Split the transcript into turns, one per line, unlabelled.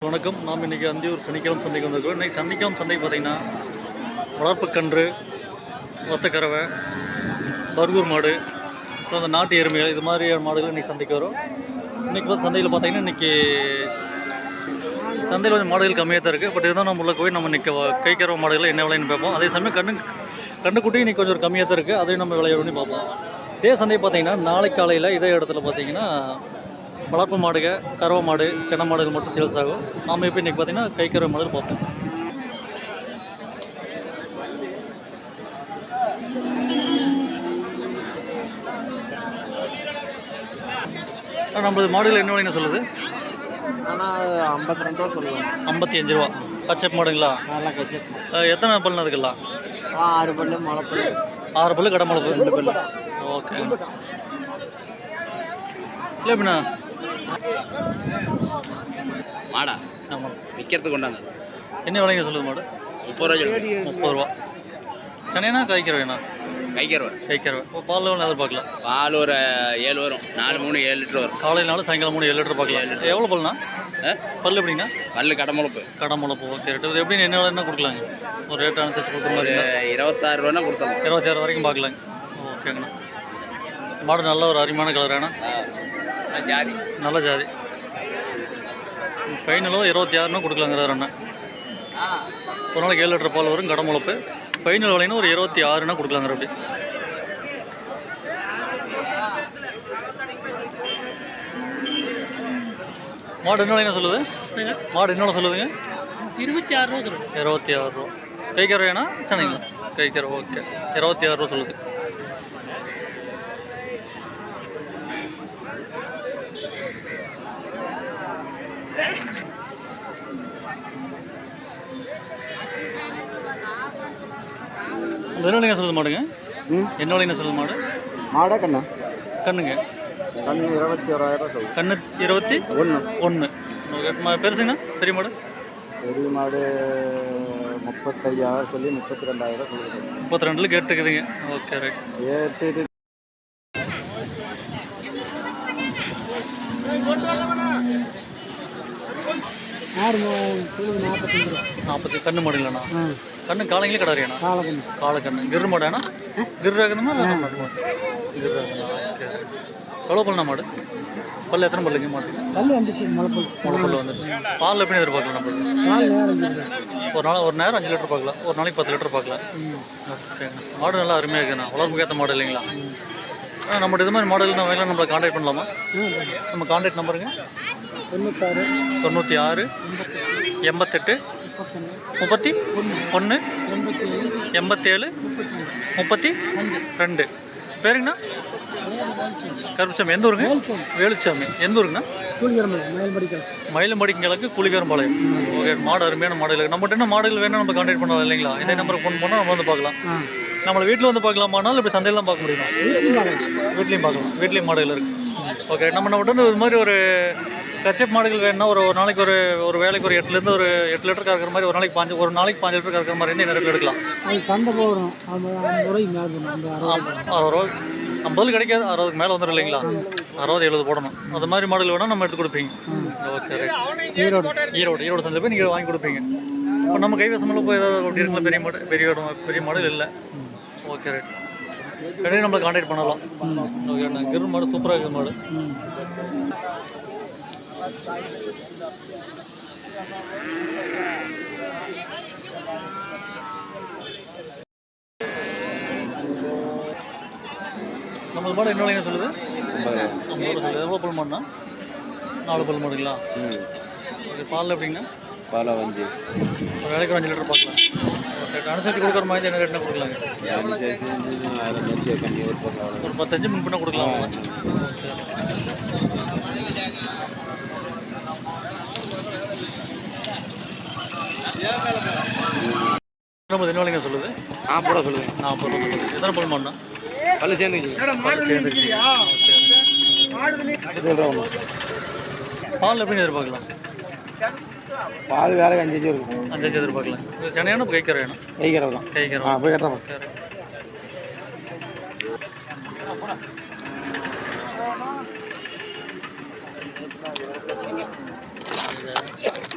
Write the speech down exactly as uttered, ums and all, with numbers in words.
வணக்கம். நாம் இன்றைக்கி அந்தியூர் சனிக்கிழமை சந்தைக்கு வந்திருக்கோம். இன்றைக்கி சனிக்கிழமை சந்தைக்கு பார்த்திங்கன்னா வளர்ப்புக்கன்று, ஒத்தக்கறவை, பர்கூர் மாடு, அப்புறம் அந்த நாட்டு எருமைகள், இது மாதிரியான மாடுகள் இன்றைக்கி சந்தைக்கு வரும். இன்றைக்கி பார்த்து சந்தையில் பார்த்திங்கன்னா இன்றைக்கி சந்தையில் கொஞ்சம் மாடுகள் கம்மியாக தான் இருக்குது. பட் இருந்தாலும் நம்ம உள்ள போய் நம்ம இன்றைக்கி கைக்கறவை மாடுகள் என்ன விலைன்னு பார்ப்போம். அதே சமயம் கண்ணு கண்ணுக்குட்டி இன்றைக்கி கொஞ்சம் கம்மியாக தான் இருக்குது, அதையும் நம்ம விலையை பண்ணி பார்ப்போம். இதே சந்தை பார்த்திங்கன்னா நாளை காலையில் இதே இடத்துல பார்த்திங்கன்னா வளர்ப்பு மாடுக, கறவை மாடு, சென மாடுகள் மட்டும் சேல்ஸ் ஆகும். நாம் இப்போ இன்றைக்கி பார்த்திங்கன்னா கைக்கறவை மாடுகள் பார்ப்போம். நம்மளது மாடுகள் என்ன விலைன்னு சொல்லுது?
ஆனால் ஐம்பத்தி ரெண்டு ரூபா சொல்லுவேன்.
ஐம்பத்தி அஞ்சு ரூபா. கச்சப் மாடுங்களா?
நல்லா கச்சப்.
எத்தனை பல்லுன்னு அதுக்கெல்லாம்?
ஆறு பல்லு, முளைப்பல்.
ஆறு பல்லு, கடை முளைப்பு
ரெண்டு பல்லு.
ஓகே. இல்லை எப்படிண்ணா
மாடா?
ஆமாம்,
விற்கிறதுக்கு கொண்டாந்து.
என்ன விலைங்க சொல்லுது மாடு?
முப்பது ரூபா சொல்லி.
முப்பது ரூபா. சென்னைனா கைக்கிறவேண்ணா?
கைக்கிறவை.
கைக்கிறவை. இப்போ பால் லெவல் எதிர்பார்க்கலாம்?
பால் ஒரு ஏழு வரும். நாலு மூணு ஏழு லிட்டர் வரும்.
காலையினாலும் சாயங்காலம் மூணு ஏழு லிட்டர் பார்க்கலாம். எவ்வளோ பல்லுண்ணா? பல் எப்படின்னா?
பல்லு கடை முளைப்பு.
கடை முளைப்பு. ஓகே. ரேட்டு எப்படின்னு என்ன என்ன கொடுக்கலாங்க? ஒரு ரேட் அனுசரிச்சு கொடுக்குற மாதிரி
இருபத்தாறு ரூபானா கொடுத்தோம்.
இருபத்தாறு வரைக்கும் பார்க்கலாங்க. ஓகேங்கண்ணா. மாடு நல்ல ஒரு அருமையான கலரானா?
ஜாதி,
நல்ல ஜாதி. ஃபைனலும் இருபத்தி ஆறுனா கொடுக்கலாங்கிறார் அண்ணா. ஒரு நாளைக்கு ஏழு லிட்டர் பால் வரும், கடை முளைப்பு. ஃபைனல் விலைன்னு ஒரு இருபத்தி ஆறுனா கொடுக்கலாங்கிற. அப்படி மாடு என்ன விலைன்னு சொல்லுது? மாடு என்ன சொல்லுதுங்க?
இருபத்தி ஆறு ரூபா சொல்லுது.
இருபத்தி ஆறு ரூபா. கைக்கறவைனா? சென்னைங்களா? கைக்கறவை. ஓகே. இருபத்தி ஆறு ரூபா சொல்லுது. என்ன விலைங்க சொல்லுது மாடுங்க? என்ன விலைங்க சொல்லுது மாடு?
மாடா கண்ணா?
கண்ணுங்க.
கண்ணு இருபத்தி ஓராயிரம் சொல்லுது.
கண்ணு இருபத்தி ஒன்று ஒன்று. பெருசுங்கண்ணா? பெரிய மாடு?
பெரிய மாடு முப்பத்தையாயிரம் சொல்லி முப்பத்தி ரெண்டாயிரம் சொல்லுது.
முப்பத்தி ரெண்டில் கேட்டுக்குதுங்க. Okay, right.
கேட்டு நாற்பத்தஞ்சு ரூபா.
நாற்பத்தி கண்ணு மாடுங்களாண்ணா? கண்ணு காலைங்களே கடாரியாண்ணா?
காலக்கண்ணு.
காலக்கண்ணு. கிரு மாடாண்ணா? கிரு ஆகுதுமா? கிரு ஆகுதுண்ணா. ஓகே. எவ்வளோ பல்லுண்ணா மாடு? பல்லு எத்தனை பல்லுங்க மாடு?
பல்லு வந்துச்சு. முளைப்பல்.
முளைப்பல் வந்துச்சு. பால் எப்படி எதிர்பார்க்கலாம் நம்ம?
பால் நேரம்
ஒரு நாள் ஒரு நேரம் அஞ்சு லிட்டர் பார்க்கலாம், ஒரு நாளைக்கு பத்து லிட்டர் பார்க்கலாம். ஓகேண்ணா. மாடு நல்லா அருமையாக இருக்குண்ணா. வளர்ப்புக்கு ஏற்ற மாடு இல்லைங்களா? ஆ, நம்மகிட்ட இது மாதிரி மாடல் நம்ம வேலை நம்மளை கான்டாக்ட் பண்ணலாமா? நம்ம கான்டாக்ட் நம்பருங்க?
தொண்ணூத்தாறு
தொண்ணூற்றி ஆறு எண்பத்தெட்டு முப்பத்தி ஒன்று எண்பத்தேழு முப்பத்தி ரெண்டு. பேருங்கண்ணா? கருப்புசாமி. எந்த ஊருங்க? வேலுச்சாமி. எந்த ஊருங்கண்ணா? மயிலம்படிங்களுக்கு குளிகரம்பாளையம். ஓகே. மாடு அருமையான மாடுகள் நம்மகிட்ட என்ன மாடுகள் வேணும் நம்ம கான்டாக்ட் பண்ணலாம் இல்லைங்களா? இதே நம்பருக்கு ஃபோன் பண்ணால் நம்ம வந்து பார்க்கலாம். நம்மளை வீட்டில் வந்து பார்க்கலாமானாலும் இப்போ சந்தையில் தான் பார்க்க முடியுமா? வீட்லேயும் பார்க்கலாம். வீட்லேயும் மாடுகள் இருக்குது. ஓகே. நம்ம நம்மகிட்ட வந்து இது மாதிரி ஒரு கச்சப் மாடுகள் வேணும்னா ஒரு ஒரு நாளைக்கு ஒரு ஒரு வேலைக்கு ஒரு எட்டுலேருந்து ஒரு எட்டு லிட்டர் கறக்கிற மாதிரி ஒரு நாளைக்கு பாஞ்சு ஒரு நாளைக்கு பாஞ்சு லிட்டர் கறக்கிற மாதிரி என்ன ரேட்டில் எடுக்கலாம்?
சந்தை போகிறோம்.
அறுபது ரூபா. ஐம்பது கிடைக்காது, அறுபதுக்கு மேலே வந்துடும் இல்லைங்களா? அறுபது எழுபது போடணும். அது மாதிரி மாடல் வேணால் நம்ம எடுத்து கொடுப்பீங்க. Okay, right. ஈரோடு ஈரோடு ஈரோடு சந்தை போய் நீங்கள் வாங்கி கொடுப்பீங்க. இப்போ நம்ம கைவசமெல்லாம் போய் ஏதாவது அப்படி இருக்கலாம்? பெரிய மாடு பெரிய பெரிய மாடல் இல்லை. Okay, right. இடையே நம்மளை கான்டாக்ட் பண்ணலாம். ஓகே. கிரு மாடு சூப்பராக இருக்குது மாடு. நம்ம மாடு என்ன விலைங்க சொல்லுது? ஐம்பது ரூபா சொல்லுது. எவ்வளோ பல் மாடுனா? நாலு பல் மாடுங்களா? ஓகே. பால் எப்படிங்கண்ணா?
பால் அஞ்சு.
ஒரு வேலைக்கு அஞ்சு லிட்டர் பார்க்கலாம். ஓகே. அனுசரிச்சு கொடுக்குற மாதிரி என்ன ரேட்னா கொடுக்கலாங்க? ஒரு பத்தஞ்சு முன் பண்ண கொடுக்கலாம். நம்ம என்ன விலைங்க சொல்லுது?
நாற்பது ரூபா சொல்லுது.
நாற்பது ரூபா சொல்லுது. எத்தனை பல் மாடுனா?
பல்லு சேர்ந்துச்சு.
சேர்ந்துச்சு. பால் எப்படின்னு எதிர்பார்க்கலாம்?
பால் வேலைக்கு அஞ்சு இருக்கும்.
அஞ்சு எதிர்பார்க்கலாம். சென்னையான கைக்கரை வேணும்?
கைக்கரை தான்.
கைக்கரை.
ஆ, போய் கட்டுறோம்.
Yeah.